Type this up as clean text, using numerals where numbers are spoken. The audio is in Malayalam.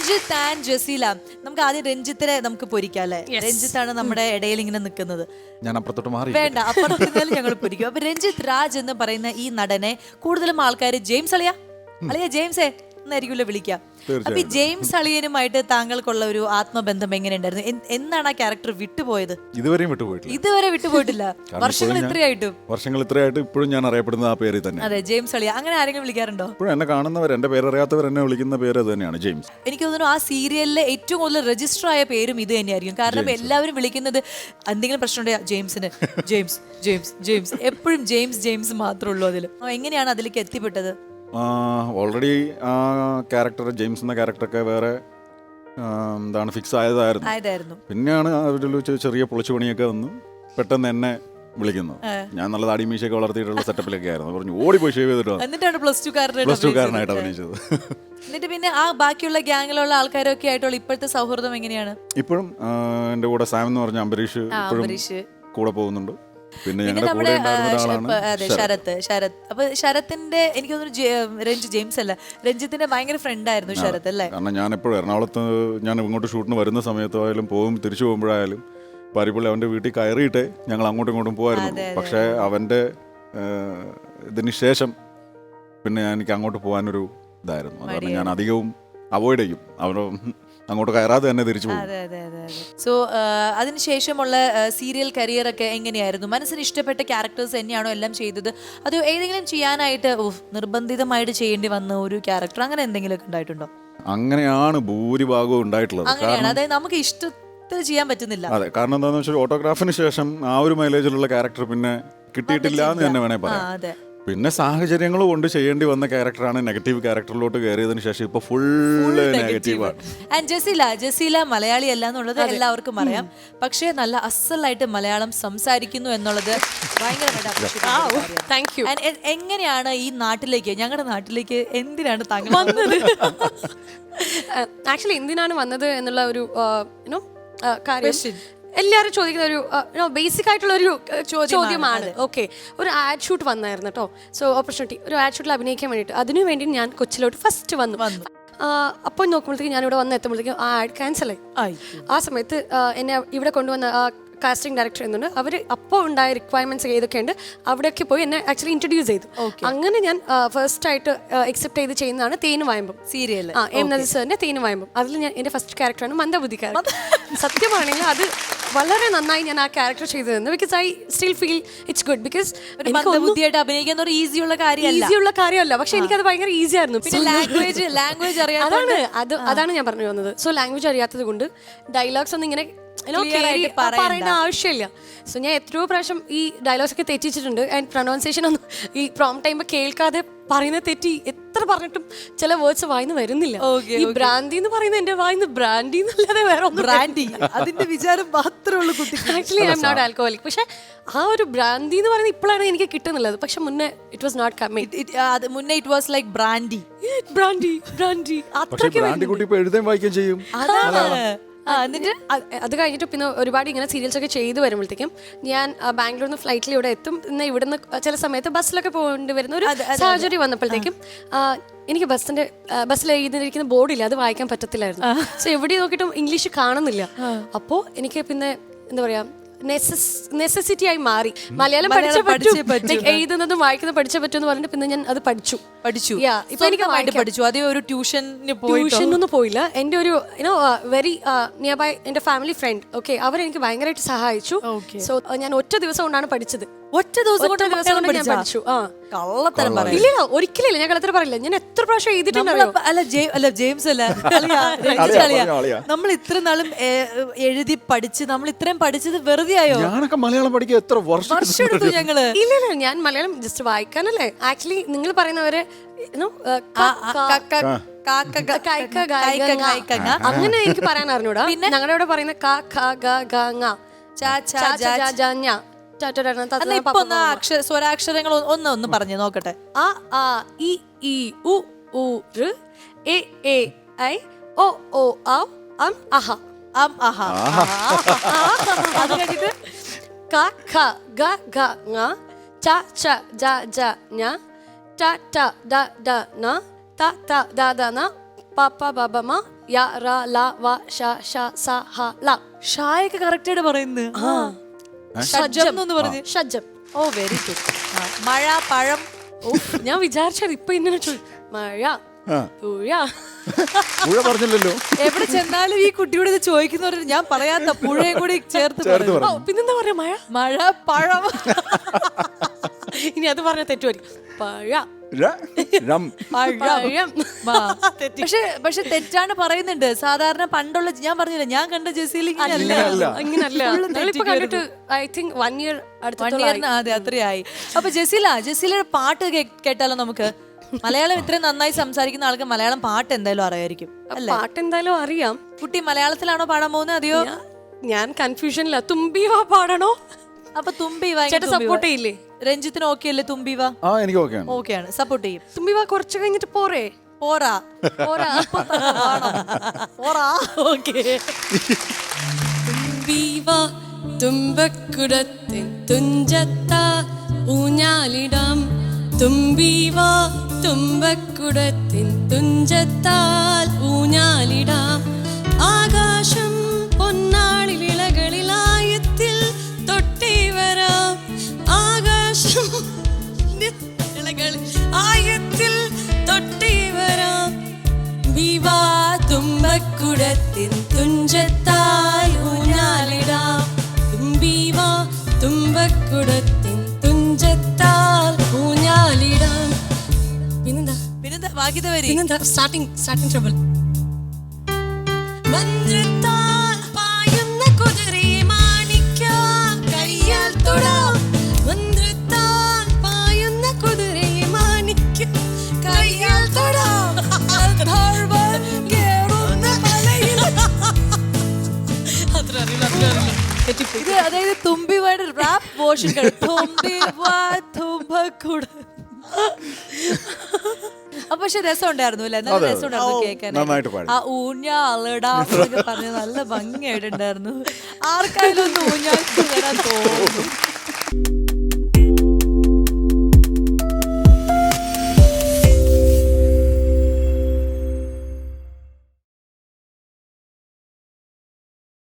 രഞ്ജിത്ത് ആൻഡ് ജസീല. നമുക്ക് ആദ്യം രഞ്ജിത്തിനെ നമുക്ക് പൊരിക്കാം അല്ലെ? രഞ്ജിത്താണ് നമ്മുടെ ഇടയിൽ ഇങ്ങനെ നിൽക്കുന്നത്. ഞാൻ അപ്പുറത്തോട്ട് മാറി. വേണ്ട, അപ്പുറത്ത് ഞങ്ങൾ പൊരിക്കും. അപ്പൊ രഞ്ജിത്ത് രാജ് എന്ന് പറയുന്ന ഈ നടനെ കൂടുതലും ആൾക്കാർ ജെയിംസ് അളിയ ജെയിംസേ എന്നായിരിക്കുമല്ലോ വിളിക്കാം. അപ്പൊ ഈ ജെയിംസ് അളിയനുമായിട്ട് താങ്കൾക്കുള്ള ഒരു ആത്മബന്ധം എങ്ങനെയുണ്ടായിരുന്നു? എന്നാണ് ആ ക്യാരക്ടർ വിട്ടുപോയത്? ഇതുവരെ വിട്ടുപോയിട്ടില്ല. വർഷങ്ങൾ ഇത്രയായിട്ട് ഇപ്പോഴും ഞാൻ അറിയപ്പെടുന്നത് ആ പേര് തന്നെ. അതെ, ജെയിംസ് അളിയ. അങ്ങനെ ആരെങ്കിലും വിളിക്കാറുണ്ടോ? ഇപ്പോഴും എന്നെ കാണുന്നവർ, എന്റെ പേരറിയാത്തവർ എന്നെ വിളിക്കുന്ന പേര് അത് തന്നെയാണ്, ജെയിംസ്. എനിക്ക് തോന്നുന്നു ആ സീരിയലിലെ ഏറ്റവും കൂടുതൽ രജിസ്റ്റർ ആയ പേരും ഇത് തന്നെയായിരിക്കും. കാരണം എല്ലാവരും വിളിക്കുന്നത് എന്തെങ്കിലും പ്രശ്നമുണ്ടോ ജെയിംസിന്, ജെയിംസ് ജെയിംസ് ജെയിംസ്, എപ്പോഴും ജെയിംസ് ജെയിംസ് മാത്രമേ ഉള്ളൂ അതിൽ. എങ്ങനെയാണ് അതിലേക്ക് എത്തിപ്പെട്ടത്? ഓൾറെഡി ആ ക്യാരക്ടർ, ജെയിംസ് എന്ന ക്യാരക്ടറൊക്കെ വേറെ എന്താണ് ഫിക്സ് ആയതായിരുന്നു. പിന്നെയാണ് അവരിൽ ചെറിയ പൊളിച്ചുപണിയൊക്കെ വന്ന് പെട്ടെന്ന് എന്നെ വിളിക്കുന്നത്. ഞാൻ നല്ല താടി മീശയൊക്കെ വളർത്തിയിട്ടുള്ള സെറ്റപ്പിലൊക്കെ ആയിരുന്നു. പറഞ്ഞു ഓടിപ്പോയി ഷേവ് ചെയ്തിട്ടോ. എന്നിട്ടാണ് പ്ലസ് ടു കാരനായിട്ട് അഭിനയിച്ചത്. എന്നിട്ട് പിന്നെ ആ ബാക്കിയുള്ള ഗ്യാങ്ങിലുള്ള ആൾക്കാരൊക്കെ ആയിട്ടുള്ള ഇപ്പോഴത്തെ സൗഹൃദം എങ്ങനെയാണ്? ഇപ്പോഴും എന്റെ കൂടെ സാം എന്ന് പറഞ്ഞ അംബരീഷ് കൂടെ പോകുന്നുണ്ട്. പിന്നെ നമ്മുടെ ശരത്. അപ്പൊ ശരത്തിന്റെ എനിക്ക് തോന്നുന്നു ജെയിംസ് അല്ല, രഞ്ജിത്തിന്റെ ഭയങ്കര ഫ്രണ്ട് ആയിരുന്നു ശരത് അല്ലേ? കാരണം ഞാൻ എപ്പോഴും എറണാകുളത്ത് ഞാൻ ഇങ്ങോട്ട് ഷൂട്ടിന് വരുന്ന സമയത്തായാലും തിരിച്ചു പോകുമ്പോഴായാലും പാരിപ്പള്ളി അവന്റെ വീട്ടിൽ കയറിയിട്ടേ ഞങ്ങൾ അങ്ങോട്ടും ഇങ്ങോട്ടും പോകായിരുന്നു. പക്ഷെ അവന്റെ ഇതിന് ശേഷം പിന്നെ എനിക്ക് അങ്ങോട്ട് പോകാനൊരു ഇതായിരുന്നു. അതുകൊണ്ട് ഞാൻ അധികവും അവോയ്ഡ് ചെയ്യും. അങ്ങോട്ട് കയറാതെ തന്നെ തിരിച്ചു പോകും. സോ അതിനുശേഷമുള്ള സീരിയൽ കരിയർ ഒക്കെ എങ്ങനെയായിരുന്നു? മനസ്സിന് ഇഷ്ടപ്പെട്ട ക്യാരക്ടേഴ്സ് തന്നെയാണോ എല്ലാം ചെയ്തത്? അതോ ഏതെങ്കിലും ചെയ്യാനായിട്ട് നിർബന്ധിതമായിട്ട് ചെയ്യേണ്ടി വന്ന ഒരു ക്യാരക്ടർ അങ്ങനെ എന്തെങ്കിലും ഒക്കെ ഉണ്ടായിട്ടുണ്ടോ? അങ്ങനെയാണ് ഭൂരിഭാഗവും ഉണ്ടായിട്ടുള്ളത്. അതായത് നമുക്ക് ഇഷ്ടത്തിൽ ചെയ്യാൻ പറ്റുന്നില്ല. അതെ, കാരണം എന്താണെന്ന് വെച്ചാൽ ഓട്ടോഗ്രാഫിന് ശേഷം ആ ഒരു മൈലേജിലുള്ള ക്യാരക്ടർ പിന്നെ കിട്ടിയിട്ടില്ല എന്ന് തന്നെ വേണേ പറയാം. പിന്നെ സാഹചര്യങ്ങൾ കൊണ്ട് ചെയ്യേണ്ടി വന്ന ക്യാരക്ടറാണ്. നെഗറ്റീവ് ക്യാരക്ടറിലോട്ട് കയറിയതിനു ശേഷം ഇപ്പൊ ഫുള്ള് നെഗറ്റീവാണ്. ജസീല മലയാളി അല്ല എന്നുള്ളത് എല്ലാവർക്കും അറിയാം. പക്ഷേ നല്ല അസലായിട്ട് മലയാളം സംസാരിക്കുന്നു എന്നുള്ളത് ഭയങ്കര. എങ്ങനെയാണ് ഈ നാട്ടിലേക്ക്, ഞങ്ങളുടെ നാട്ടിലേക്ക് എന്തിനാണ് താങ്കൾ വന്നത്? ആക്ച്വലി എന്തിനാണ് വന്നത് എന്നുള്ള ഒരു കാര്യം എല്ലാവരും ചോദിക്കുന്ന ഒരു ബേസിക് ആയിട്ടുള്ള ഒരു ചോദ്യമാണ്. ഓക്കെ, ഒരു ആഡ് ഷൂട്ട് വന്നായിരുന്നു കേട്ടോ. സോ ഓപ്പർച്യൂണിറ്റി, ഒരു ആഡ് ഷൂട്ടിൽ അഭിനയിക്കാൻ വേണ്ടിയിട്ട്, അതിനു വേണ്ടി ഞാൻ കൊച്ചിലോട്ട് ഫസ്റ്റ് വന്നു. അപ്പോൾ നോക്കുമ്പോഴത്തേക്കും ഞാൻ ഇവിടെ വന്ന് എത്തുമ്പോഴത്തേക്കും ആ ആഡ് ക്യാൻസൽ ആയി. ആ സമയത്ത് എന്നെ ഇവിടെ കൊണ്ടുവന്ന കാസ്റ്റിംഗ് ഡയറക്ടർ എന്നുണ്ട്. അവർ അപ്പോൾ ഉണ്ടായ റിക്വയർമെന്റ്സ് ഏതൊക്കെ ഉണ്ട് അവിടെയൊക്കെ പോയി എന്നെ ആക്ച്വലി ഇൻട്രൊഡ്യൂസ് ചെയ്തു. അങ്ങനെ ഞാൻ ഫസ്റ്റ് ആയിട്ട് അക്സെപ്റ്റ് ചെയ്ത് ചെയ്യുന്നതാണ് തേന് വായുമ്പം സീരിയൽ. എം നസീർ സാറിന്റെ തേന് വായുമ്പം. അതിൽ ഞാൻ എന്റെ ഫസ്റ്റ് ക്യാരക്ടറാണ് മന്ദബുദ്ധിക്കാരൻ. സത്യമാണെങ്കിൽ അത് വളരെ നന്നായി ഞാൻ ആ ക്യാരക്ടർ ചെയ്തതെന്ന്. Because I still feel it's good. Because ബുദ്ധിയായിട്ട് അഭിനയിക്കാൻ ഒരു ഈസിയുള്ള കാര്യമല്ല, പക്ഷെ എനിക്കത് ഭയങ്കര ഈസി ആയിരുന്നു. ലാംഗ്വേജ് അതാണ് ഞാൻ പറഞ്ഞു വന്നത്. സോ ലാംഗ്വേജ് അറിയാത്തത് കൊണ്ട് ഡയലോഗ്സ് ഒന്നും ഇങ്ങനെ പറയേണ്ട ആവശ്യമില്ല. സോ ഞാൻ എത്രയോ പ്രാവശ്യം ഈ ഡയലോഗ്സ് ഒക്കെ തെറ്റിച്ചിട്ടുണ്ട്. ആൻഡ് പ്രൊനൗൺസിയേഷൻ ഒന്നും ഈ പ്രോം ടൈം കേൾക്കാതെ പറയുന്ന തെറ്റി എത്ര പറഞ്ഞിട്ടും ചില വേർഡ്സ് വായിന്ന് വരുന്നില്ല. ഈ ബ്രാൻഡി എന്ന് പറയുന്നത് എന്റെ വായിന്ന് ബ്രാൻഡി എന്നല്ലാതെ വേറെ ബ്രാൻഡി അതിന്റെ വിചാരം മാത്രമേ ഉള്ളൂ. Actually I am not alcoholic. പക്ഷെ ആ ഒരു ബ്രാൻഡി എന്ന് പറയുന്നത് ഇപ്പോഴാണ് എനിക്ക് കിട്ടുന്നുള്ളത്. പക്ഷെ മുന്നേ ഇറ്റ് വാസ് നോട്ട് കമ്മിങ്. മുന്നേ ഇറ്റ് വാസ് ലൈക്ക് ബ്രാൻഡി. എഴുതാൻ വായിക്കുകയും ചെയ്യും. എന്നിട്ട് അത് കഴിഞ്ഞിട്ട് പിന്നെ ഒരുപാട് ഇങ്ങനെ സീരിയൽസ് ഒക്കെ ചെയ്തു വരുമ്പോഴത്തേക്കും ഞാൻ ബാംഗ്ലൂരിൽ നിന്ന് ഫ്ലൈറ്റിൽ ഇവിടെ എത്തും. പിന്നെ ഇവിടുന്ന് ചില സമയത്ത് ബസ്സിലൊക്കെ പോകേണ്ടി വരുന്ന ഒരു സാഹചര്യം വന്നപ്പോഴത്തേക്കും എനിക്ക് ബസ്സിൽ എഴുതിയിരിക്കുന്ന ബോർഡില്ല, അത് വായിക്കാൻ പറ്റത്തില്ലായിരുന്നു. സോ എവിടെ നോക്കിയിട്ടും ഇംഗ്ലീഷ് കാണുന്നില്ല. അപ്പോൾ എനിക്ക് പിന്നെ എന്താ പറയാ നെസസിറ്റി ആയി മാറി. മലയാളം എഴുതുന്നതും വായിക്കുന്നതും പഠിച്ചേ പറ്റുമെന്ന് പറഞ്ഞിട്ട് പിന്നെ ഞാൻ അത് പഠിച്ചു. ഇപ്പൊ എനിക്ക് പഠിച്ചു. അതേ ഒരു ട്യൂഷനൊന്നും പോയില്ല. എൻ്റെ ഒരു വെരി നിയർ ബൈ എൻ്റെ ഫാമിലി ഫ്രണ്ട് അവരെനിക്ക് ഭയങ്കരമായിട്ട് സഹായിച്ചു. സോ ഞാൻ ഒറ്റ ദിവസം കൊണ്ടാണ് പഠിച്ചത്. ഒറ്റ ദിവസം കൊണ്ട് ഞാൻ പഠിച്ചു. ഇല്ല, ഒരിക്കലില്ല, ഞാൻ കളത്തിൽ പറയില്ല. ഞാൻ എത്ര പ്രാവശ്യം എഴുതിയിട്ടുണ്ടോ. അല്ല ജെയിംസ് അല്ല, നമ്മൾ ഇത്ര നാളും എഴുതി പഠിച്ച് നമ്മൾ ഇത്രയും പഠിച്ചത് വെറുതെ ആയോ? ഞാനൊക്കെ മലയാളം പഠിക്കാൻ എത്ര വർഷം എടുത്തു ഞങ്ങള്. ഇല്ല, ഞാൻ മലയാളം ജസ്റ്റ് വായിക്കാനല്ലേ. ആക്ച്വലി നിങ്ങൾ പറയുന്നവരെ അങ്ങനെ എനിക്ക് പറയാൻ അറിഞ്ഞൂടാ. പിന്നെ ഞങ്ങളുടെ ഇവിടെ പറയുന്ന സ്വരാക്ഷരങ്ങൾ ഒന്ന് പറഞ്ഞു നോക്കട്ടെ. അ ആ ഇ ഈ ഉ ഊ ഋ എ എ ഐ ഒ ഓ ഔ അം അഹ അം അഹ. അത് കഴിഞ്ഞിട്ട് ക ഖ ഗ ഘ ങ ച ഛ ജ ജ ഞ ട ട ദ ദ ന ത ത ദ ദ ന പാപ്പ ബബമ യ റ ല വ ഷ ഷ സ ഹ ല. ഷായൊക്കെ കറക്റ്റ് ആയിട്ട് പറയുന്നത്. ഷഡ്ജം എന്ന് പറഞ്ഞു. ഷഡ്ജം. Oh very good. മഴ, പഴം. ഞാൻ വിചാരിച്ചത് ഇപ്പൊ ഇങ്ങനെ മഴ പുഴ. പുഴ പറഞ്ഞില്ലല്ലോ. എവിടെ ചെന്നാലും ഈ കുട്ടിയോട് ഇത് ചോദിക്കുന്നവർ ഞാൻ പറയാത്ത പുഴയും കൂടി ചേർത്ത് പറയും. പിന്നെന്താ പറയാ? മഴ, മഴ, പഴം. ഇനി അത് പറഞ്ഞ തെറ്റുമായിരിക്കും. പഴ, പഴം. പക്ഷെ തെറ്റാണ് പറയുന്നുണ്ട്. സാധാരണ പണ്ടുള്ള ഞാൻ പറഞ്ഞില്ല, ഞാൻ കണ്ട ജസീൽ ഇങ്ങനല്ല. കണ്ടിട്ട് ഐ തിങ്ക് 1 year അതെ അത്രയായി. അപ്പൊ ജസീലയുടെ പാട്ട് കേട്ടാലോ നമുക്ക്? മലയാളം ഇത്രയും നന്നായി സംസാരിക്കുന്ന ആൾക്ക് മലയാളം പാട്ട് എന്തായാലും അറിയായിരിക്കും അല്ലേ? പാട്ട് എന്തായാലും അറിയാം. കുട്ടി മലയാളത്തിലാണോ പാടാൻ പോകുന്നത് അതെയോ? ഞാൻ കൺഫ്യൂഷനില്ല. തുമ്പീവാ പാടണോ? അപ്പൊ തുമ്പീവ സപ്പോർട്ട് ചെയ്യില്ലേ? രഞ്ജിത്തിന് ഓക്കെ അല്ലേ തുമ്പീവ? എനിക്ക് ഓക്കെയാണ്, സപ്പോർട്ട് ചെയ്യും. തുമ്പീവ കുറച്ച് കഴിഞ്ഞിട്ട് പോരാ. തുമ്പീവ തുമ്പക്കുടത്തിൻ തുഞ്ചത്താ ഊഞ്ഞാലിടാം. തുമ്പീവ തുമ്പക്കുടത്തിൻ തുഞ്ചത്താൽ ഊഞ്ഞാലിടാം. ആകാശം പൊന്നാളി വിളകളിലായത്തിൽ തൊട്ടേ വരാം. ആകാശം ആയത്തിൽ തൊട്ടേ വരാം. വിവാ തുമ്പക്കുടത്തിൻ തുഞ്ചത്താൽ ഊഞ്ഞാലിടാം. തുമ്പീവാ തുമ്പക്കുടത്തിൻ തുഞ്ചത്താൽ ഊഞ്ഞാലിടാം. പിന്നെന്താ സ്റ്റാർട്ടിംഗ് ട്രബിൾ. മന്ത്രത്താൽ പായുന്ന കുതിരയെ മാണിക്യം കയ്യാൽ തൊടാം. മന്ത്രത്താൽ പായുന്ന കുതിരയെ മാണിക്യം കയ്യാൽ തൊടാം. ഇത് അതായത് തുമ്പിവായുടെ റാപ്പ് വേർഷൻ. അപ്പൊ പക്ഷെ രസം ഉണ്ടായിരുന്നു അല്ലേ? നല്ല രസം ഉണ്ടായിരുന്നു കേൾക്കാൻ. ആ ഊഞ്ഞാലിടാന്നൊക്കെ പറഞ്ഞ് നല്ല ഭംഗിയായിട്ടുണ്ടായിരുന്നു. ആർക്കായാലും ഒന്ന് ഊഞ്ഞാൽ വരാൻ തോന്നും.